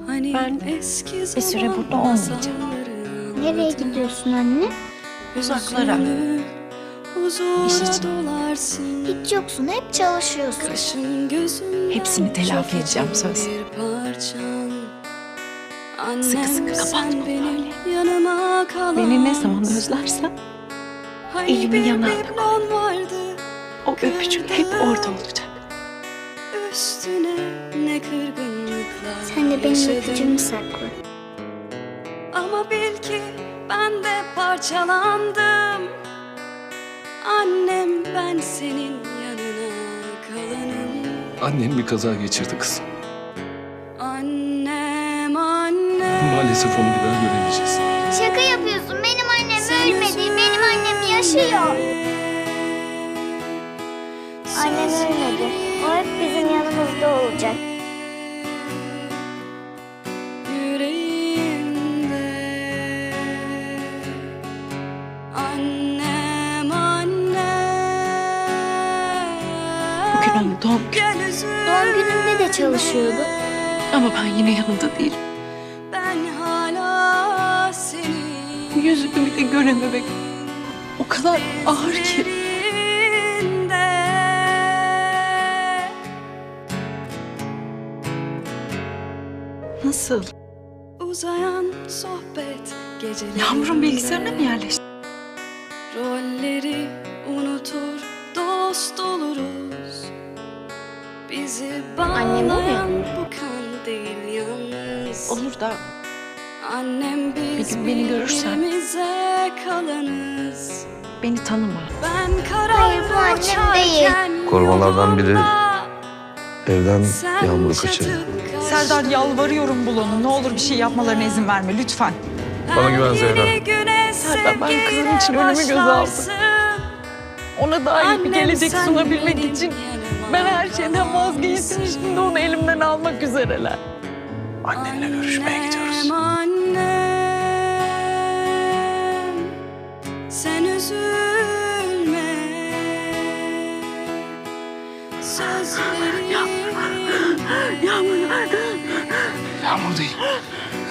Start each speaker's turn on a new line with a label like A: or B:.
A: Ben bir süre burada olmayacağım.
B: Nereye gidiyorsun anne?
A: Uzaklara. İş için.
B: Hiç yoksun, hep çalışıyorsun.
A: Hepsini telafi edeceğim söz. Sıkı sıkı kapatma böyle. Beni ne zaman özlersen elimi yanağına koy. O öpücük hep orada olacak.
B: Sen de benim öpücüğümü sakla.
C: Ama bil ki ben de parçalandım. Annem, ben senin yanına kalanım.
D: Annen bir kaza geçirdi kızım.
C: Annem, annem.
D: Maalesef onu bir daha göremeyeceğiz.
B: Şaka yapıyorsun, benim annem ölmedi, benim annem yaşıyor. Annem ölmedi, o hep bizim yanımızda olacak.
C: Yüreğimde. Annem, annem.
A: Bugün onun doğum günü.
C: Gel üzülme.
B: Doğum gününde de çalışıyordu.
A: Ama ben yine yanında değilim.
C: Ben hala seni.
A: Yüzünü bile görememek o kadar ağır ki.
C: Ellerinde.
A: Nasıl?
C: Uzayan sohbet gecelerinde.
A: Yağmur'un bilgisayarına mı yerleşti?
C: Rolleri unutur, dost oluruz. Bizi
B: Annem o ya.
C: bağlayan bu kan değil yalnız.
A: Olur da
C: Annem, biz
A: Bir gün beni görürsen-
C: birbirimize kalanız.
A: beni tanıma.
C: Ben
B: Hayır, bu annem değil.
E: Korumalardan biri evden Yağmur'u kaçırdı.
F: Serdar, yalvarıyorum bul onu. Ne olur bir şey yapmalarına izin verme lütfen.
E: Bana güven Zehra.
A: Serdar, ben kızım için ölümü göze aldım. Ona daha iyi bir gelecek sunabilmek için ben her şeyden vazgeçtim. Şimdi onu elimden almak üzereler.
D: Annenle görüşmeye gidiyoruz.
C: Annem, sen üzülme. Sözlerim.
D: Yağmur değil.